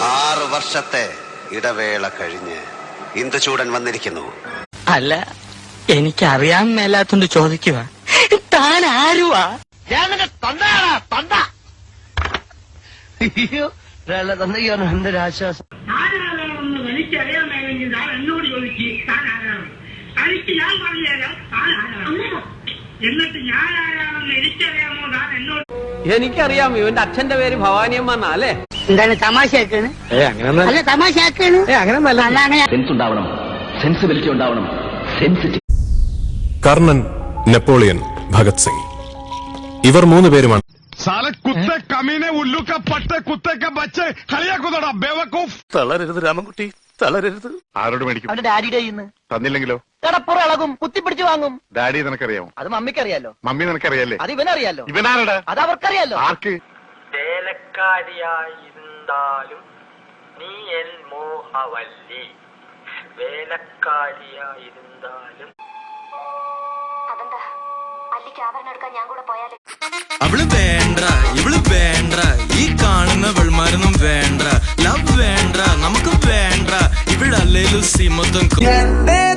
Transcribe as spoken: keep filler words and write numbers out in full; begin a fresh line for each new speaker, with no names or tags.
ആറ് വർഷത്തെ ഇടവേള കഴിഞ്ഞ് ഇന്ദുചൂടൻ വന്നിരിക്കുന്നു.
അല്ല, എനിക്കറിയാൻ മേലാത്തോണ്ട് ചോദിക്കുക, താൻ ആരുവാ?
എന്തൊരാശ്വാസം.
താനാരാണെന്ന് എനിക്കറിയാമെങ്കിൽ താൻ എന്നോട് ചോദിച്ച് താൻ ആരാണ്? തനിക്ക് ഞാൻ പറഞ്ഞുതരാം താൻ ആരാണ്. എന്നിട്ട് ഞാൻ ആരാണെന്ന് എനിക്കറിയാമോ താൻ എന്നോട്?
എനിക്കറിയാം, ഇവന്റെ അച്ഛന്റെ പേര് ഭവാനിയമ്മ എന്നാ അല്ലേ?
എന്താണ് തമാശയാക്കാണ്? അല്ല തമാശയാക്കാണ്.
സെൻസ് ഉണ്ടാവണം, സെൻസിബിലിറ്റി ഉണ്ടാവണം, സെൻസിറ്റീവ്.
കർണൻ, നെപ്പോളിയൻ, ഭഗത് സിംഗ്, ഇവർ മൂന്ന് പേരുമാണ്.
തളരരുത് രാമൻകുട്ടി, തളരരുത്. ആരോട് മേടിക്കും?
അവന്റെ ഡാഡിയുടെ
തന്നില്ലെങ്കിലോ?
കടപ്പുറളകും, കുത്തിപ്പിടിച്ചു വാങ്ങും.
ഡാഡി നിനക്കറിയാമോ?
അത് മമ്മിക്കറിയാലോ.
മമ്മി നിനക്കറിയാലേ?
അത് ഇവനറിയാലോ.
ഇവനാരുടെ?
അത് അവർക്കറിയാലോ.
ആർക്ക്?
വേലക്കാരിയായിരുന്നാലും നീ എൻ മോഹവല്ലി, വേലക്കാരിയായിരുന്നാലും.
അതെന്താ അല്ലിക്ക് ആഭരണം എടുക്കാൻ ഞാൻ കൂടെ പോയാലേ?
അവള് വേണ്ട, ഇവള് വേണ്ട, ഈ കാണുന്ന വെൾമാരൊന്നും വേണ്ട, ലവ് വേണ്ട, നമുക്ക് വേണ്ട, ഇവളല്ലേലും സിമത്വം.